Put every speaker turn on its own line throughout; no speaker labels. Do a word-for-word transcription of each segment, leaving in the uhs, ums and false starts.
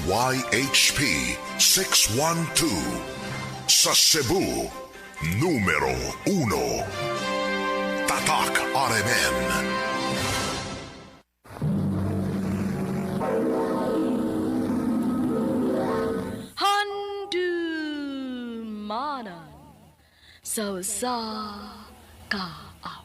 Y H P six one two. Sa Cebu, numero uno. Tatak R M N.
Handumanan sa sa kaaw.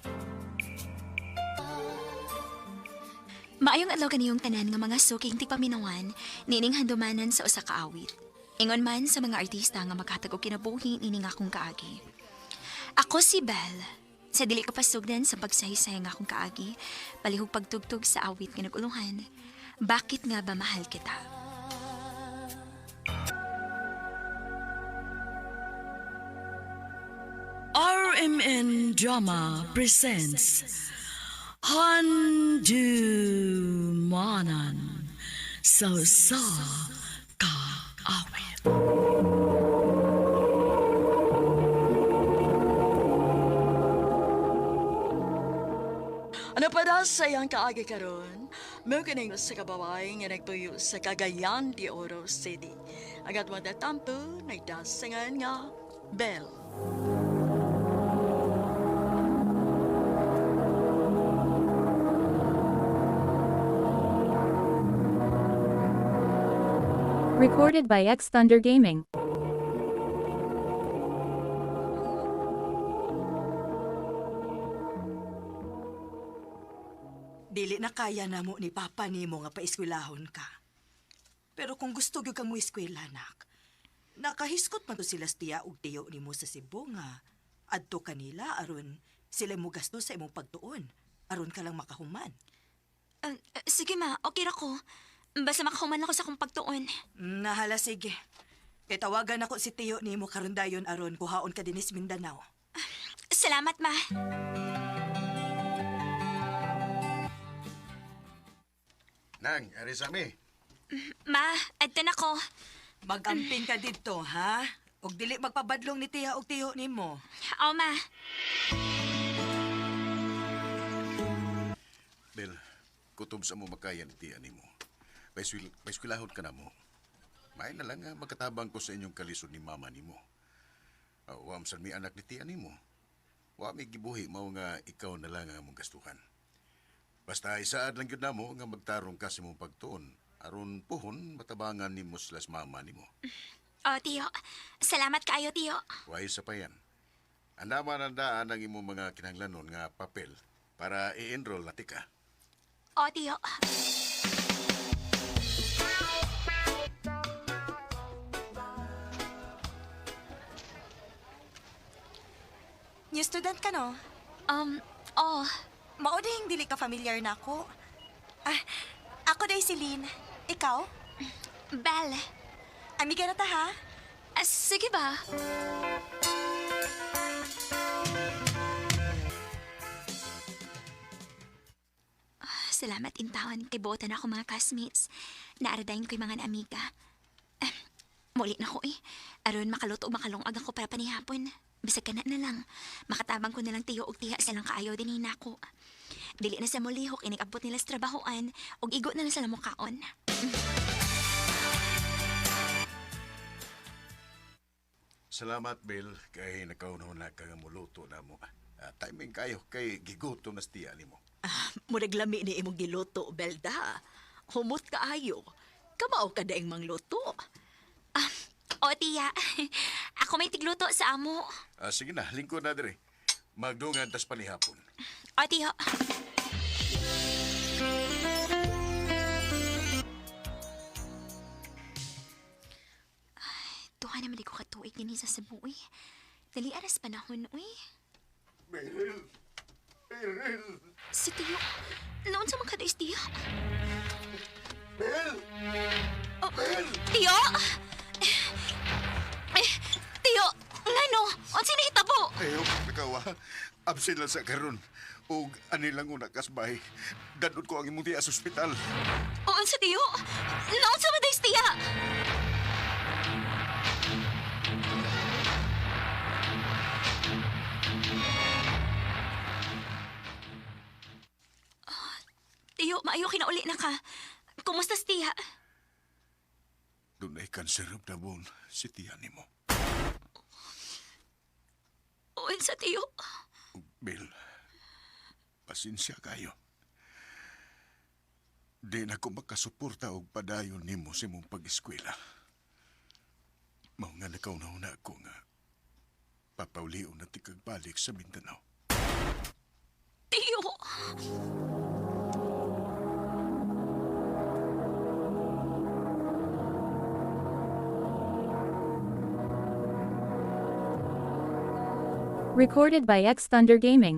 Maayong adlaw kaniyong tanan nga mga suking tigpaminawan nining handumanan sa usa ka awit. Ingon man sa mga artista nga maghatag og kinabuhi nining akong kaagi. Ako si Belle. Sa dili ko pasugdan sa pagsahisay nga akong kaagi, palihog pagtugtog sa awit nga naguluhan. Bakit nga ba mahal kita?
R M N Drama presents Handumanan sa sa kaawit. Ano pa daw sa iyang kaagi karon? Mo kining sa kababay nga nagtuyo sa Cagayan de Oro City. Agat mo tatampo, nagdasingan nga Bell.
Recorded by X Thunder Gaming.
Dili na kaya na mo ni Papa nimo nga paeskwelahon ka. Pero kung gusto gyud kang mo eskwela, nak, nakahiskot man to sila sa tiya ug tiyo nimo sa Cebu nga adto kanila aron sila mo gasto sa imong pagtuon aron ka lang makahuman.
Uh, uh, sige ma, okay ra ko. Basta makahuman ako sa akong pagtuon.
Mm, Nahala sige. Kay tawagan ako si tiyo nimo karon dayon aron kuhaon ka dinis Mindanao.
Salamat ma.
Nang, arisami.
Ma, adto na ko.
Magamping ka didto, ha? Ug dili magpabadlong ni tiya ug tiyo nimo.
Aw ma.
Bel, kutob sa mo makayan ti animo. Paiswil, paiskwilahon ka na mo. May na lang nga magkatabang ko sa inyong kalisod ni mama nimo. Uh, wam san mi anak ni ti animo. Wa mi gibuhi mao nga ikaw na lang ang mong gastuhan. Basta isaad lang yun na mo nga magtarong ka sa mong pagtuon. Aron puhon, matabangan ni mo slas mama ni mo.
O, tiyo. Salamat kaayo, tiyo.
Why sa pa yan? Andaman ang daan ang imong mga kinahanglanon nga papel para i-enroll na tika.
O, tiyo.
New student ka, no?
Um, oh.
Mauding dili ka familiar na ako. Ah, ako day si Lynn. Ikaw?
Belle.
Amiga na ta, ha?
Ah, sige ba? Ah, salamat intawan kay buotan ako mga classmates. Naaradayin ko'y mga amiga. Ah, muli na ko eh. Aron makaluto o makalungag ako para panihapon. Bisag ka na na lang. Makatabang ko na lang tiyo og tiha silang kaayaw din hinako. Dili na sa mulihok inigabot nila sa trabahoan og igo na lang sila mukaon.
Salamat, Bel, kay nakaunaw na ka nga muluto na mo. Uh, timing kayo kay giguto na stiya ni mo.
Ah, murag lami ni imong giluto, Belda. Humot kaayo. Kamao ka daing mangluto.
Ah, o tiya. Ako may tigluto sa amo.
Uh, sige na, lingkod na dire. Magdungan tas panihapon.
O tiyo. Tuha naman di ko katuig din sa Cebu, uy. Dali aras panahon, uy.
Bel! Bel!
Si Tiyo, noon sa mga kadais, Tiyo.
Bel!
Oh, Tiyo! Eh, Tiyo, ngano? Ang sinahitabo?
Ayaw, nakawa. Absent lang sa karon. O ani lang una kasbay. Dadod ko ang imong tiya sa ospital.
O, ang sa Tiyo? Noon sa mga kadais, Tiya? Tiyo, maayo kinauli na ka. Kumusta si Tiya?
Dunay cancer of the bone si tiya nimo.
O, sa tiyo.
Bill, pasensya kayo. Di na ko makasuporta og padayon nimo sa imong pag-eskwela. Mao nga nakauna-una ako nga papauliw na tikagbalik sa Mindanao.
Tiyo.
Recorded by X Thunder Gaming.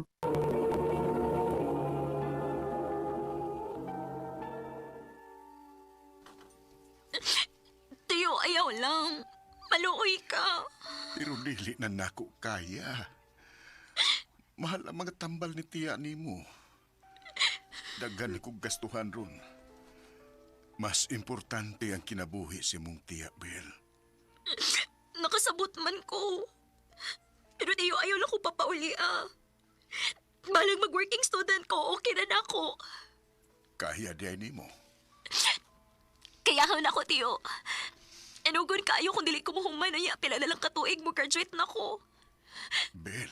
Tiyo, ayaw lang. Maluoy ka.
Pero dili na nako kaya. Mahal ang mga tambal ni tiya nimo. Daghan kong gastuhan ron. Mas importante ang kinabuhi si mong tiya, Bill.
Nakasabot man ko. Pero tiyo, ayaw lang ko papauli ah. Balang mag-working student ko, okay na na ako.
Kaya di ay nimo.
Kayahan ako, tiyo. Enugon kayo kung dili ko mahuman na ya, pila na lang katuig mo graduate na ko.
Bill.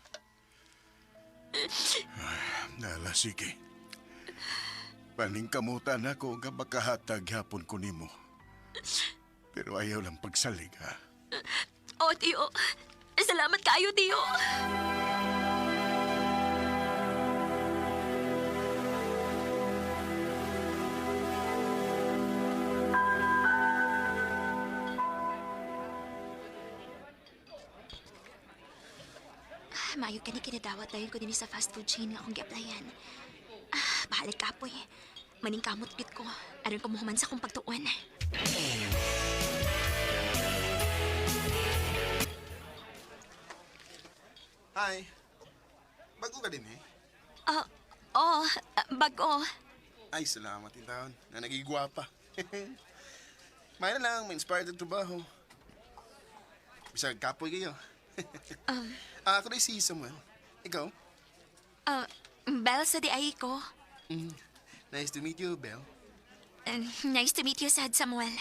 Ay, nala, sige. Paningkamutan ako nga makahatag hapon ko nimo. Pero ayaw lang pagsalig, ha?
O, tiyo. Salamat kayo, tiyo. Mayo ka ni kinadawat dahil ko din sa fast food chain nga akong gi-applyan. Ah, bahalag ka po eh. Maning kamot git ko. Aron ko muhuman sa akong pagtuon.
Hi. Bago ka din eh.
Ah, oh, ah, bago.
Ay, salamat yung taon na nagigwapa. May na lang, may inspired ang trabaho. Bisag kapoy kayo.
Um,
Ah, ako na si Samuel. Ikaw?
Ah, Belle sa di ay ko.
Mm. Nice to meet you, Belle.
Uh, nice to meet you, Sad Samuel.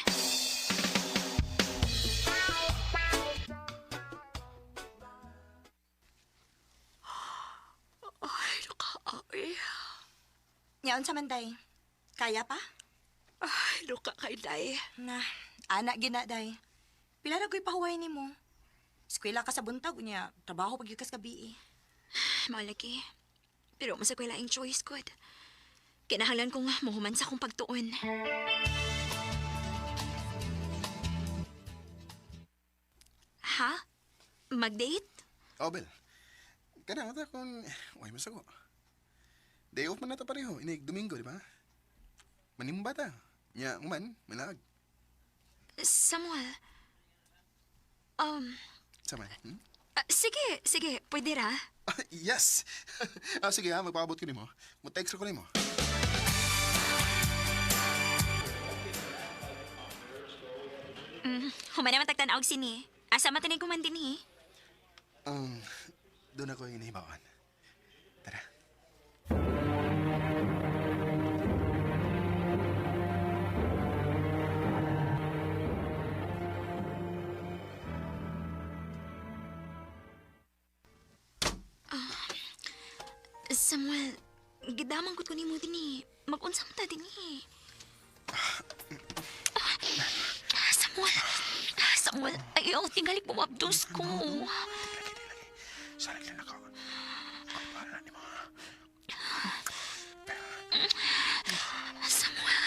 Ay, nakaaway.
Ngayon sa Manday. Kaya pa?
Ay, luka kay Day.
Na, anak gina, day. Pila na ko'y pahuway ni mo. Eskwela ka sa buntag, niya, trabaho pag yukas gabi eh.
Malaki. Pero masa ko laing choice ko. Kinahanglan kong muhuman sa akong pagtuon. Ha? Mag-date?
Oh, Belle. Kana ta kung... Uy, masago. Day off man na ta pareho. Inig Domingo, di ba? Manimba ta. Nya, uman, malag.
Samuel. Um,
Sama, hmm?
ah, sige, sige, pwede ra.
Ah, yes! ah, sige ha, magpapabot ko ni mo. Mag-text ko ni mo.
Mm, human naman tagtanaog sini. Asa matinig ko man din eh.
Um, doon ako yung nahibawan. Tara.
Samuel, gidamang ko ni mo din eh. Mag-unsam ta din eh. Samuel, Samuel, ayaw, tingalik mo mabdos ko.
Sarap lang ako. Pagpala ni mo.
Samuel.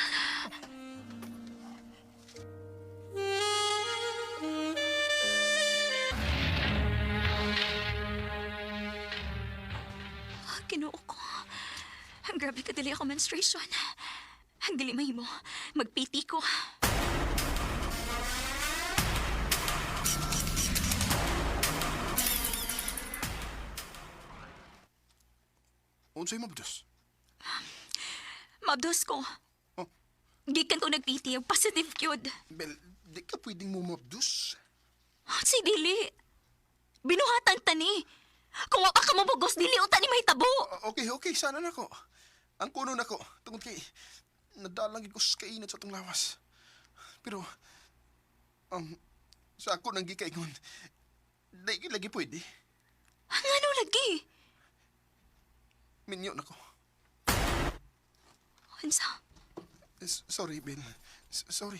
Kinuo ko. Ang grabe ka dili ako menstruation. Ang dili may mo. Magpiti ko.
Unsay mabdos?
Mabdos ko.
Oh.
Gikan ko nagpiti. Positive kyod.
Bel, di ka pwedeng mo mabdos.
Si dili. Binuhatan tani. Kung wapa ka mabugos, dili uta ni may tabo.
Ah, okay, okay, sana na ko. Ang kuno na ko, tungkol kay, nadalang ko sa kainat sa itong lawas. Pero, Um, sa ako nang gikaingon. Dahil lagi pwede.
Ang ano lagi?
Minyo na ko.
Unsa?
S- Sorry, Bel. S- Sorry.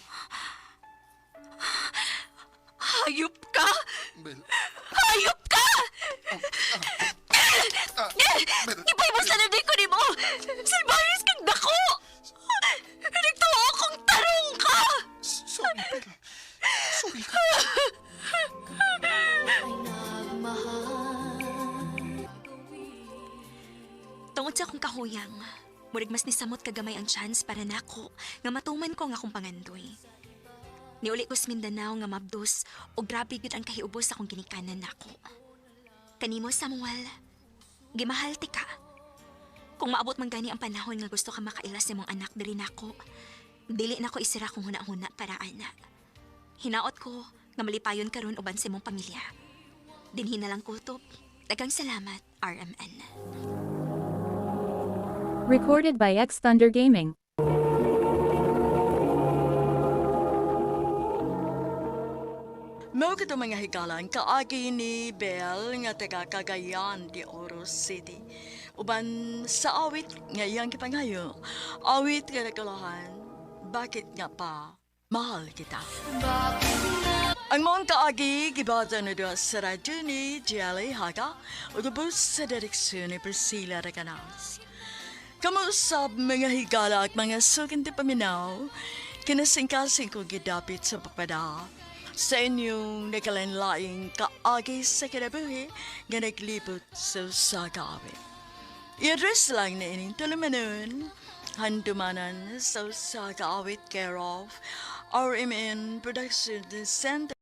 Hayop ka!
Bel.
Hayop ka!
Ah, Bel.
Ipay mo sa naday ko ni mo! Salbayos kang dako! Nagtuwa akong tarong ka!
S- Sorry, Bel. Sorry ka.
Tungod sa akong kahuyang, murig mas nisamot kagamay ang chance para nako nga matuman ko nga akong pangandoy. Niuli ko sa Mindanao nga mabdos o grabe gud ang kahiubos sa akong ginikanan nako. Kanimo Samuel, gimahal ti ka. Kung maabot man gani ang panahon nga gusto ka makailas sa mong anak diri nako, dili nako isira kong huna-huna para ana. Hinaot ko nga malipayon karon uban sa mong pamilya. Dinhi na lang kutob. Daghang salamat, R M N.
Recorded by X Thunder Gaming.
Mao kito mga higalan kaagi ni Bel nga taga Cagayan de Oro City. Uban sa awit nga iyang kipangayo, awit nga nagkalahan, bakit nga pa mahal kita? Ang mga kaagi gibata na doon sa radyo ni Jelly Haga o gabos sa direksyon ni Priscilla Reganas. Kamusap mga higala at mga sukin ti paminaw, kinasingkasing ko gidapit sa papada sa inyong nakalanlaing kaagi sa kinabuhi nga naglibot sa sagawit. I-address lang na ining tulumanon, handumanan sa sagawit care of R M N Production Center.